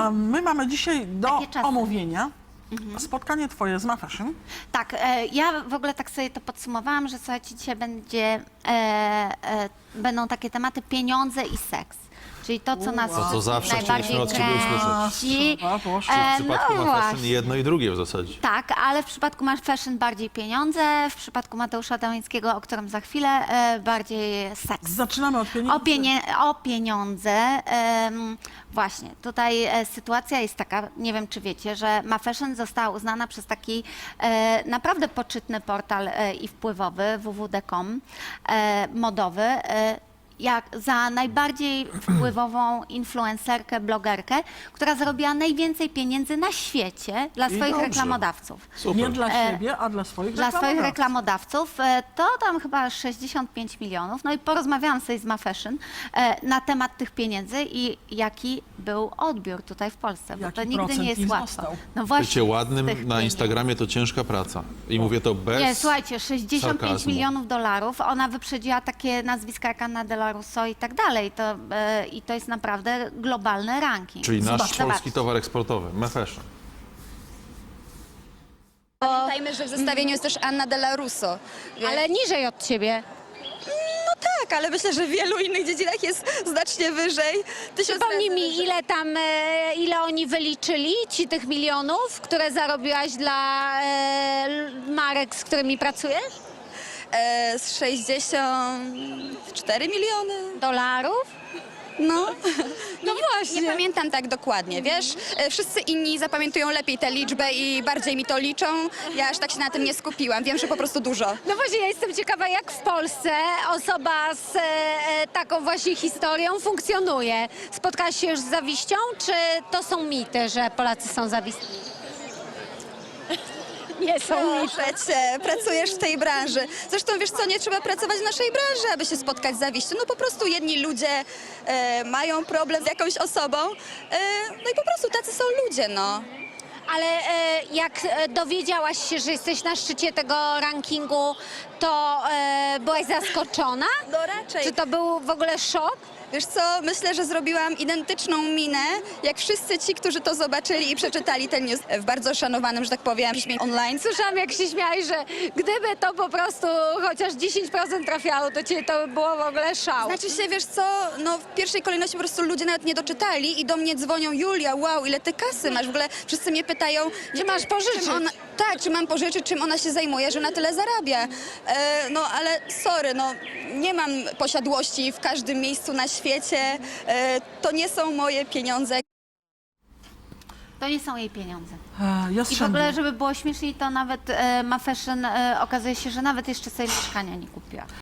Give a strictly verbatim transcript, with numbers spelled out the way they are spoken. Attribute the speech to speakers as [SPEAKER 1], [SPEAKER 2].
[SPEAKER 1] A my mamy dzisiaj do
[SPEAKER 2] Takie czasy.
[SPEAKER 1] omówienia spotkanie twoje z MaFashion.
[SPEAKER 2] Tak, e, ja w ogóle tak sobie to podsumowałam, że słuchajcie, dzisiaj będzie, e, e, będą takie tematy pieniądze i seks. Czyli to, co nas
[SPEAKER 1] To,
[SPEAKER 3] co zawsze
[SPEAKER 2] najbardziej
[SPEAKER 3] chcieliśmy od ciebie usłyszeć.
[SPEAKER 2] kręci.
[SPEAKER 1] A, proszę.
[SPEAKER 2] E,
[SPEAKER 3] W przypadku
[SPEAKER 2] no
[SPEAKER 3] ma fashion
[SPEAKER 2] właśnie.
[SPEAKER 3] jedno i drugie w zasadzie.
[SPEAKER 2] Tak, ale w przypadku Masz Fashion bardziej pieniądze, w przypadku Mateusza Damińskiego, o którym za chwilę, e, bardziej seks.
[SPEAKER 1] Zaczynamy od pieniędzy.
[SPEAKER 2] O, pienie o pieniądze. Em, właśnie, tutaj e, sytuacja jest taka, nie wiem czy wiecie, że MaFashion została uznana przez taki e, naprawdę poczytny portal e, i wpływowy w w w kropka com, e, modowy, e, jak za najbardziej wpływową influencerkę, blogerkę, która zarobiła najwięcej pieniędzy na świecie dla
[SPEAKER 1] I
[SPEAKER 2] swoich
[SPEAKER 1] dobrze.
[SPEAKER 2] reklamodawców.
[SPEAKER 3] Super.
[SPEAKER 1] Nie dla
[SPEAKER 2] E,
[SPEAKER 1] siebie, a dla swoich
[SPEAKER 2] Dla swoich
[SPEAKER 1] reklamodawców.
[SPEAKER 2] reklamodawców e, to tam chyba sześćdziesiąt pięć milionów. No i porozmawiałam sobie z MaFashion e, na temat tych pieniędzy i jaki był odbiór tutaj w Polsce, bo
[SPEAKER 1] Jaki
[SPEAKER 2] to nigdy
[SPEAKER 1] procent
[SPEAKER 2] nie jest
[SPEAKER 1] ich
[SPEAKER 2] łatwo.
[SPEAKER 1] został?
[SPEAKER 2] No
[SPEAKER 3] Bycie
[SPEAKER 2] z tych
[SPEAKER 3] ładnym na
[SPEAKER 2] pieniędzy.
[SPEAKER 3] Instagramie to ciężka praca. I mówię to bez
[SPEAKER 2] Nie, słuchajcie, sześćdziesiąt pięć
[SPEAKER 3] sarkazmu.
[SPEAKER 2] milionów dolarów, ona wyprzedziła takie nazwiska jak Anna de la Russo i tak dalej. To, e, I to jest naprawdę globalny ranking.
[SPEAKER 3] Czyli nasz
[SPEAKER 2] Zobaczcie.
[SPEAKER 3] polski towar eksportowy, MaFashion.
[SPEAKER 4] Pamiętajmy, że w zestawieniu jest też Anna de la Russo.
[SPEAKER 5] Ale niżej od ciebie.
[SPEAKER 4] No tak, ale myślę, że w wielu innych dziedzinach jest znacznie wyżej. Tysiąc
[SPEAKER 5] Przypomnij
[SPEAKER 4] razy
[SPEAKER 5] mi,
[SPEAKER 4] wyżej.
[SPEAKER 5] ile tam, e, ile oni wyliczyli, ci tych milionów, które zarobiłaś dla e, l- marek, z którymi pracujesz?
[SPEAKER 4] E, z sześćdziesiąt cztery miliony.
[SPEAKER 5] Dolarów?
[SPEAKER 4] No.
[SPEAKER 5] No
[SPEAKER 4] Nie
[SPEAKER 5] właśnie.
[SPEAKER 4] pamiętam tak dokładnie, wiesz? E, Wszyscy inni zapamiętują lepiej tę liczbę i bardziej mi to liczą. Ja aż tak się na tym nie skupiłam. Wiem, że po prostu dużo.
[SPEAKER 5] No właśnie, ja jestem ciekawa, jak w Polsce osoba z e, e, taką właśnie historią funkcjonuje. Spotkałaś się już z zawiścią, czy to są mity, że Polacy są zawistni? Nie są mity.
[SPEAKER 4] Proszę cię, pracujesz w tej branży. Zresztą wiesz co, nie trzeba pracować w naszej branży, aby się spotkać z zawiścią. No po prostu jedni ludzie e, mają problem z jakąś osobą, e, no i po prostu tacy są ludzie, no.
[SPEAKER 5] Ale e, jak e, dowiedziałaś się, że jesteś na szczycie tego rankingu, to e, byłaś zaskoczona?
[SPEAKER 4] No raczej.
[SPEAKER 5] Czy to był w ogóle szok?
[SPEAKER 4] Wiesz co, myślę, że zrobiłam identyczną minę, jak wszyscy ci, którzy to zobaczyli i przeczytali ten news w bardzo szanowanym, że tak powiem, piśmie online.
[SPEAKER 5] Słyszałam, jak się śmiałeś, że gdyby to po prostu chociaż dziesięć procent trafiało do ciebie, to by było w ogóle szał.
[SPEAKER 4] Znaczy się, wiesz co, no w pierwszej kolejności po prostu ludzie nawet nie doczytali i do mnie dzwonią: Julia, wow, ile ty kasy masz? W ogóle wszyscy mnie pytają,
[SPEAKER 5] Czy masz pożyczyć?
[SPEAKER 4] Czym ona, tak, czy mam pożyczyć, czym ona się zajmuje, że na tyle zarabia. E, no ale sorry, no nie mam posiadłości w każdym miejscu na świecie. E, to nie są moje pieniądze.
[SPEAKER 2] To nie są jej pieniądze.
[SPEAKER 1] E,
[SPEAKER 2] I w
[SPEAKER 1] Jastrzębie.
[SPEAKER 2] ogóle, żeby było śmieszniej, to nawet e, MaFashion e, okazuje się, że nawet jeszcze sobie mieszkania nie kupiła.